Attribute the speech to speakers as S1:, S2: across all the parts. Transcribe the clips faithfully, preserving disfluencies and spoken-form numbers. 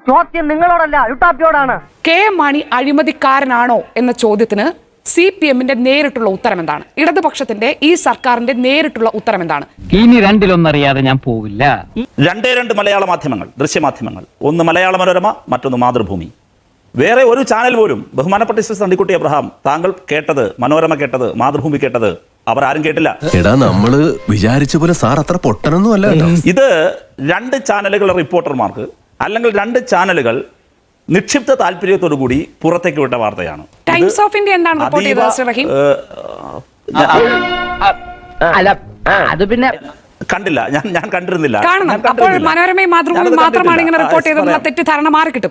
S1: ചോദ്യം നിങ്ങളോടല്ല യുട്ടാപ്പിയോടാണ്.
S2: കെ എം മാണി അഴിമതിക്കാരനാണോ എന്ന ചോദ്യത്തിന് സി പി എമ്മിന്റെ നേരിട്ടുള്ള ഉത്തരം എന്താണ്? ഇടതുപക്ഷത്തിന്റെ ഈ സർക്കാരിന്റെ നേരിട്ടുള്ള ഉത്തരം എന്താണ്?
S3: ഇനി രണ്ടിലൊന്നറിയാതെ ഞാൻ പോവില്ല.
S4: രണ്ടേ രണ്ട് മലയാള മാധ്യമങ്ങൾ, ദൃശ്യമാധ്യമങ്ങൾ, ഒന്ന് മലയാള മനോരമ, മറ്റൊന്ന് മാതൃഭൂമി. വേറെ ഒരു ചാനൽ പോലും ബഹുമാനപ്പെട്ട മിസ്റ്റർ തണ്ടിക്കുട്ടി അബ്രഹാം, താങ്കൾ കേട്ടത്, മനോരമ കേട്ടത്, മാതൃഭൂമി കേട്ടത്, അവർ ആരും കേട്ടില്ല.
S5: എടാ, നമ്മള് വിചാരിച്ച പോലെ സാർ അത്ര പൊട്ടനൊന്നും അല്ല.
S4: ഇത് രണ്ട് ചാനലുകളുടെ റിപ്പോർട്ടർമാർക്ക് അല്ലെങ്കിൽ രണ്ട് ചാനലുകൾ നിക്ഷിപ്ത താല്പര്യത്തോടു കൂടി പുറത്തേക്ക് വിട്ട വാർത്തയാണ്.
S2: ടൈംസ് ഓഫ് ഇന്ത്യ എന്താണ് റിപ്പോർട്ട് ചെയ്തത് മിസ്റ്റർ റഹീം?
S1: അല്ല, അത് പിന്നെ
S4: കണ്ടില്ല, ഞാൻ ഞാൻ കണ്ടിരുന്നില്ല.
S2: കാണണം. അപ്പോൾ മനോരമയും മാതൃഭൂമി മാത്രമാണ് ഇങ്ങനെ റിപ്പോർട്ട് ചെയ്തതെന്നുള്ള തെറ്റിദ്ധാരണ മാറി കിട്ടും.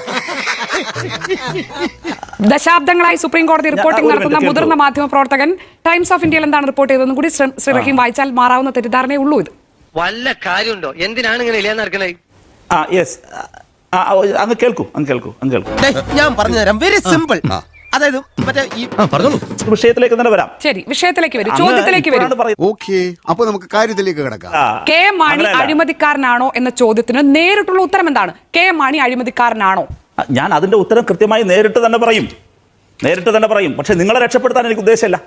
S2: ദശാബ്ദങ്ങളായി സുപ്രീം കോടതി റിപ്പോർട്ടിംഗ് നടത്തുന്ന മുതിർന്ന മാധ്യമ പ്രവർത്തകൻ ടൈംസ് ഓഫ് ഇന്ത്യയിൽ എന്താണ് റിപ്പോർട്ട് ചെയ്തതെന്ന് കൂടി ശ്രീ റഹീം വായിച്ചാൽ മാറാവുന്ന തെറ്റിദ്ധാരണയേ ഉള്ളൂ. ഇത്
S6: വല്ല കാര്യമുണ്ടോ? എന്തിനാണ് ഇങ്ങനെ ഇല്ലാന്ന് നടക്കണേ?
S4: ആ യെസ്, അങ്ങ് കേൾക്കൂ, അങ്ങ് കേൾക്കൂ, അങ്ങ് കേൾക്കൂ.
S7: ഞാൻ പറഞ്ഞുതരാം. Very simple. അതായത് മറ്റേ ഈ
S4: വിഷയത്തിലേക്ക് തന്നെ വരാം.
S2: ശരി, വിഷയത്തിലേക്ക് വരും, ചോദ്യത്തിലേക്ക് വരും.
S8: ഓക്കേ, അപ്പൊ നമുക്ക് കാര്യത്തിലേക്ക് കിടക്കാം.
S2: കെ എം മാണി അഴിമതിക്കാരനാണോ എന്ന ചോദ്യത്തിന് നേരിട്ടുള്ള ഉത്തരം എന്താണ്? കെ എം മാണി അഴിമതിക്കാരനാണോ?
S4: ഞാൻ അതിന്റെ ഉത്തരം കൃത്യമായി നേരിട്ട് തന്നെ പറയും, നേരിട്ട് തന്നെ പറയും. പക്ഷെ നിങ്ങളെ രക്ഷപ്പെടുത്താൻ എനിക്ക് ഉദ്ദേശമില്ല.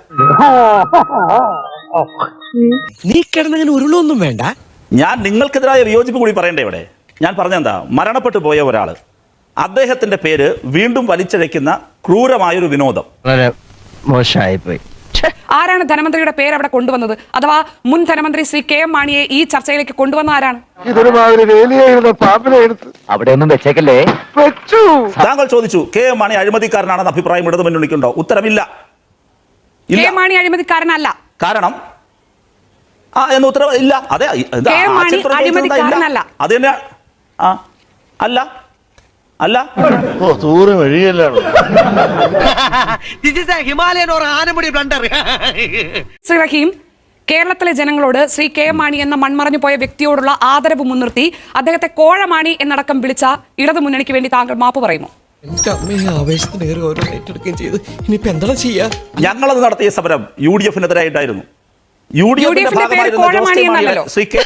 S7: നീ കിടന്നങ്ങനെ ഉരുളൊന്നും വേണ്ട.
S4: ഞാൻ നിങ്ങൾക്കെതിരായ വിയോജിപ്പ് കൂടി പറയണ്ടേ ഇവിടെ? ഞാൻ പറഞ്ഞെന്താ, മരണപ്പെട്ടു പോയ ഒരാള്, അദ്ദേഹത്തിന്റെ പേര് വീണ്ടും വലിച്ചഴയ്ക്കുന്ന ക്രൂരമായൊരു വിനോദം.
S3: വളരെ മോശമായിപ്പോയി.
S2: ആരാണ് ധനമന്ത്രിയുടെ പേര് അവിടെ കൊണ്ടുവന്നത്? അഥവാ മുൻ ധനമന്ത്രി ശ്രീ കെ എം മാണിയെ ഈ ചർച്ചയിലേക്ക് കൊണ്ടുവന്ന ആരാണ്?
S3: അവിടെ ഒന്നും വെച്ചേക്കല്ലേ.
S4: താങ്കൾ ചോദിച്ചു കെ എം മാണി അഴിമതിക്കാരനാണെന്ന് അഭിപ്രായം ഇടതുമുന്നണിക്കുണ്ടോ? ഉത്തരമില്ല.
S2: കെ എം മാണി അഴിമതിക്കാരനല്ല.
S4: കാരണം ആ എന്ന് ഉത്തരം ഇല്ല. അതെ,
S2: കെ എം മാണി അഴിമതിക്കാരനല്ല.
S4: അത് തന്നെ. ആ അല്ല അല്ല
S6: Himalayan or Anamudi blunder.
S2: Shri Rahim, കേരളത്തിലെ ജനങ്ങളോട് ശ്രീ കെ എം മാണി എന്ന മൺമറഞ്ഞു പോയ വ്യക്തിയോടുള്ള ആദരവ് മുൻനിർത്തി അദ്ദേഹത്തെ കോഴമാണി എന്നടക്കം വിളിച്ച ഇടതു മുന്നണിക്ക് വേണ്ടി താങ്കൾ മാപ്പ് പറയുമോ?
S4: ഞങ്ങളത് നടത്തിയ സമരം യു ഡി എഫിനെതിരായിട്ടായിരുന്നു. യു ഡി എഫിന്റെ ശ്രീ കെ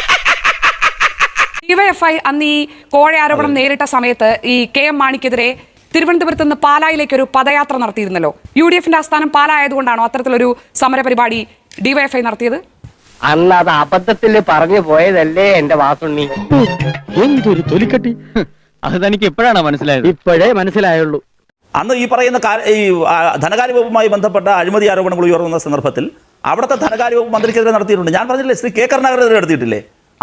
S2: ഡിവൈഎഫ്ഐ അന്ന് ഈ കോഴ ആരോപണം നേരിട്ട സമയത്ത് ഈ കെ എം മാണിക്കെതിരെ തിരുവനന്തപുരത്ത് നിന്ന് പാലായിലേക്ക് ഒരു പദയാത്ര നടത്തിയിരുന്നല്ലോ. യു ഡി എഫിന്റെ ആസ്ഥാനം പാലായതുകൊണ്ടാണോ അത്തരത്തിലൊരു സമര പരിപാടി ഡിവൈഎഫ്ഐ നടത്തിയത്?
S1: അന്ന് അത് അബദ്ധത്തിൽ പറഞ്ഞു പോയതല്ലേ എന്റെ വാസുണ്ണി.
S3: എന്തൊരു തൊലിക്കട്ടി! അത് തനിക്ക് എപ്പോഴാണ് മനസ്സിലായത്?
S1: ഇപ്പോഴേ മനസ്സിലായുള്ളൂ.
S4: അന്ന് ഈ പറയുന്ന ഈ ധനകാര്യ വകുപ്പുമായി ബന്ധപ്പെട്ട അഴിമതി ആരോപണങ്ങൾ ഉയർന്ന സന്ദർഭത്തിൽ അവിടുത്തെ ധനകാര്യ വകുപ്പ് മന്ത്രിക്കെതിരെ നടത്തിയിട്ടുണ്ട്. ഞാൻ പറഞ്ഞില്ലേ, ശ്രീ കെ കരുണാകരനെതിരെ നടത്തിയിട്ടില്ലേ?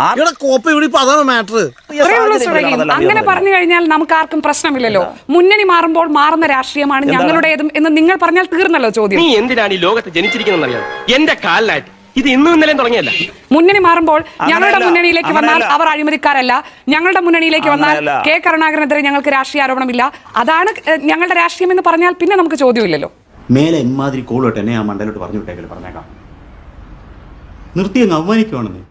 S2: അങ്ങനെ പറഞ്ഞു കഴിഞ്ഞാൽ നമുക്ക് ആർക്കും പ്രശ്നമില്ലല്ലോ. മുന്നണി മാറുമ്പോൾ മാറുന്ന രാഷ്ട്രീയമാണ് ഞങ്ങളുടേതും എന്ന് നിങ്ങൾ പറഞ്ഞാൽ തീർന്നല്ലോ ചോദ്യം.
S6: നീ എന്തിനാണ് ഈ ലോകത്ത് ജനിച്ചിരിക്കുന്നറിയാം? എന്റെ കാലിലായിട്ട് ഇത് ഇന്നും ഇന്നലെയും തുടങ്ങിയല്ല.
S2: മുന്നണി മാറുമ്പോൾ ഞങ്ങളുടെ മുന്നണിയിലേക്ക് വന്നാൽ അവർ അഴിമതിക്കാരല്ല, ഞങ്ങളുടെ മുന്നണിയിലേക്ക് വന്നാൽ കെ കരുണാകരനെതിരെ ഞങ്ങൾക്ക് രാഷ്ട്രീയ ആരോപണമില്ല, അതാണ് ഞങ്ങളുടെ രാഷ്ട്രീയം എന്ന് പറഞ്ഞാൽ പിന്നെ നമുക്ക് ചോദ്യമില്ലല്ലോ.
S9: മേലെ ഇമാതിരി കോളോട്ട് എന്നെ ആ മണ്ടലോട്ട് പറഞ്ഞു വിട്ടേക്കല് പറഞ്ഞേക്കാം. നിർത്തി അങ്ങ് അവമാനിക്കുവാണെന്ന്.